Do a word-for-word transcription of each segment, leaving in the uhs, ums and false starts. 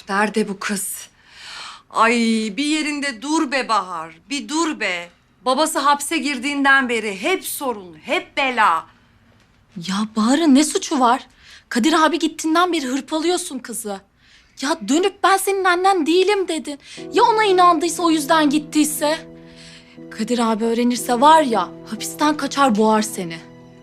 Nerede bu kız? Ay bir yerinde dur be Bahar, bir dur be. Babası hapse girdiğinden beri hep sorun, hep bela. Ya Bahar'ın ne suçu var? Kadir abi gittiğinden beri hırpalıyorsun kızı. Ya dönüp ben senin annen değilim dedin. Ya ona inandıysa o yüzden gittiyse? Kadir abi öğrenirse var ya hapisten kaçar boğar seni.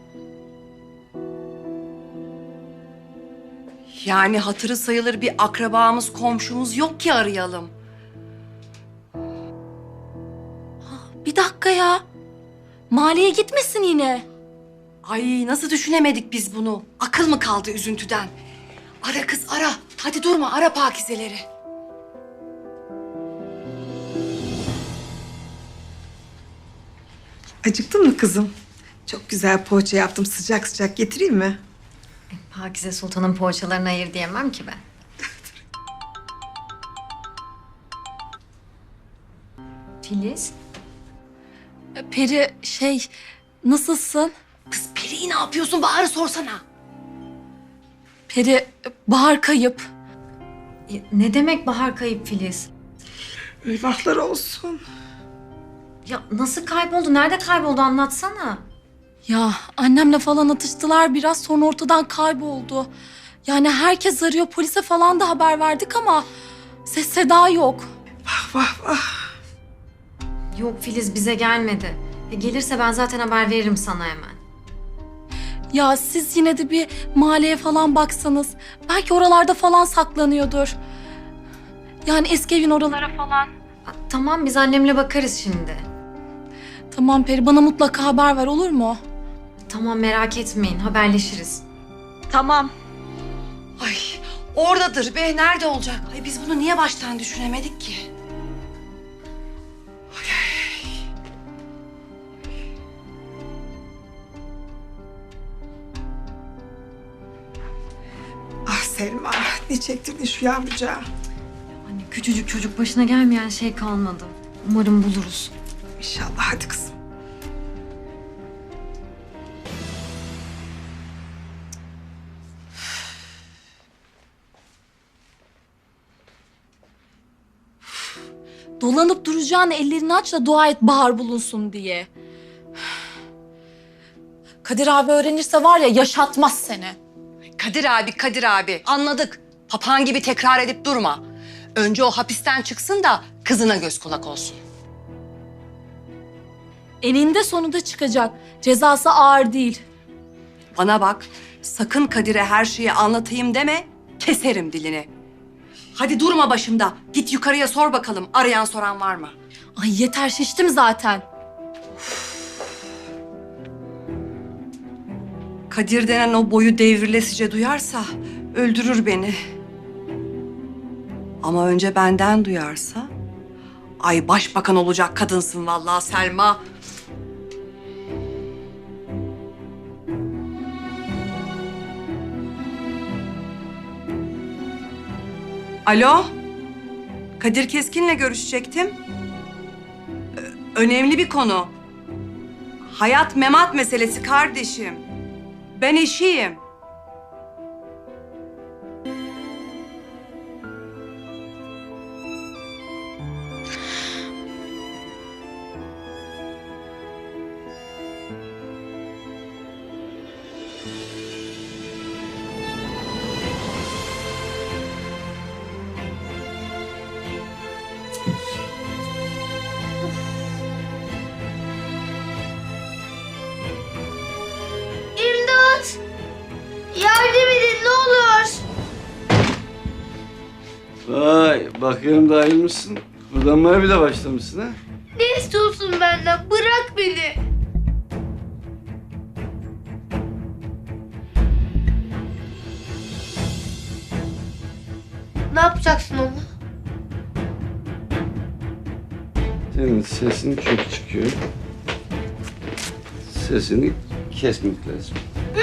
Yani hatırı sayılır bir akrabamız, komşumuz yok ki arayalım. Bir dakika ya. Maliye gitmesin yine. Ay nasıl düşünemedik biz bunu? Akıl mı kaldı üzüntüden? Ara kız ara. Hadi durma ara Pakizeleri. Acıktın mı kızım? Çok güzel poğaça yaptım. Sıcak sıcak getireyim mi? Pakize Sultan'ın poğaçalarına hayır diyemem ki ben. Filiz, Peri şey nasılsın? Kız Peri'yi ne yapıyorsun? Bahar'ı sorsana. Peri Bahar kayıp. e, ne demek Bahar kayıp Filiz? Eyvahlar olsun. Ya nasıl kayboldu? Nerede kayboldu? Anlatsana. Ya annemle falan atıştılar biraz sonra ortadan kayboldu. Yani herkes arıyor polise falan da haber verdik ama ses seda yok. Vah vah vah. Yok Filiz bize gelmedi. E, gelirse ben zaten haber veririm sana hemen. Ya siz yine de bir mahalleye falan baksanız. Belki oralarda falan saklanıyordur. Yani eski evin oralara falan. Ha, tamam biz annemle bakarız şimdi. Tamam Peri bana mutlaka haber ver olur mu? Tamam merak etmeyin haberleşiriz. Tamam. Ay oradadır be. Nerede olacak? Ay biz bunu niye baştan düşünemedik ki? Ah Selma, ne çektirdin şu yavrucağı? Anne küçücük çocuk başına gelmeyen şey kalmadı. Umarım buluruz. İnşallah, hadi kızım. Dolanıp duracağın ellerini aç da dua et Bahar bulunsun diye. Kadir abi öğrenirse var ya yaşatmaz seni. Kadir abi, Kadir abi. Anladık. Papağan gibi tekrar edip durma. Önce o hapisten çıksın da kızına göz kulak olsun. Eninde sonunda çıkacak. Cezası ağır değil. Bana bak, sakın Kadir'e her şeyi anlatayım deme, keserim dilini. Hadi durma başımda. Git yukarıya sor bakalım, arayan soran var mı? Ay yeter şiştim zaten. Kadir denen o boyu devrilesice duyarsa öldürür beni. Ama önce benden duyarsa... Ay başbakan olacak kadınsın vallahi Selma. Alo? Kadir Keskin'le görüşecektim. Ö- önemli bir konu. Hayat memat meselesi kardeşim. Ben eşiyim. İmdat! Yardım edin ne olur. Vay, bakıyorum da ayılmışsın. Kullanmaya bile başlamışsın ha. Ne istiyorsun benden? Bırak beni. Ne yapacaksın onu? Senin sesin çok çıkıyor. Sesini kesmek lazım.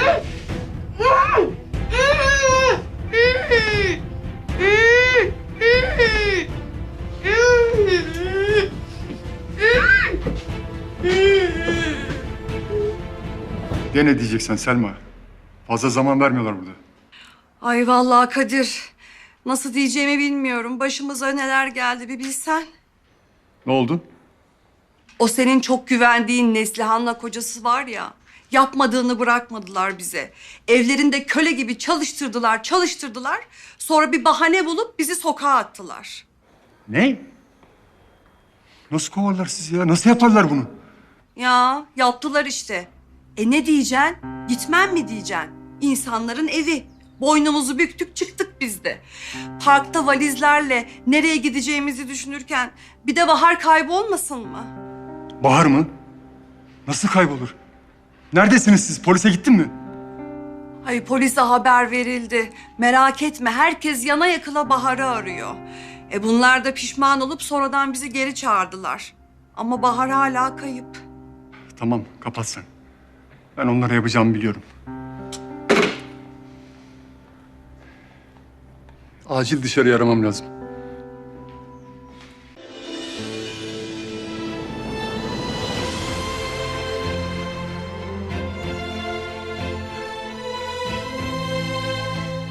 De ne diyeceksen Selma? Fazla zaman vermiyorlar burada. Ay vallahi Kadir. Nasıl diyeceğimi bilmiyorum. Başımıza neler geldi bir bilsen. Ne oldu? O senin çok güvendiğin Neslihan'la kocası var ya. Yapmadığını bırakmadılar bize. Evlerinde köle gibi çalıştırdılar, çalıştırdılar. Sonra bir bahane bulup bizi sokağa attılar. Ne? Nasıl kovarlar sizi ya? Nasıl yaparlar bunu? Ya yaptılar işte. E ne diyeceksin? Gitmem mi diyeceksin? İnsanların evi. Boynumuzu büktük çıktık biz de. Parkta valizlerle nereye gideceğimizi düşünürken bir de Bahar kaybolmasın mı? Bahar mı? Nasıl kaybolur? Neredesiniz siz? Polise gittin mi? Ay polise haber verildi. Merak etme herkes yana yakıla Bahar'ı arıyor. E bunlar da pişman olup sonradan bizi geri çağırdılar. Ama Bahar hala kayıp. Tamam, kapat sen. Ben onlara yapacağımı biliyorum. Acil dışarı aramam lazım.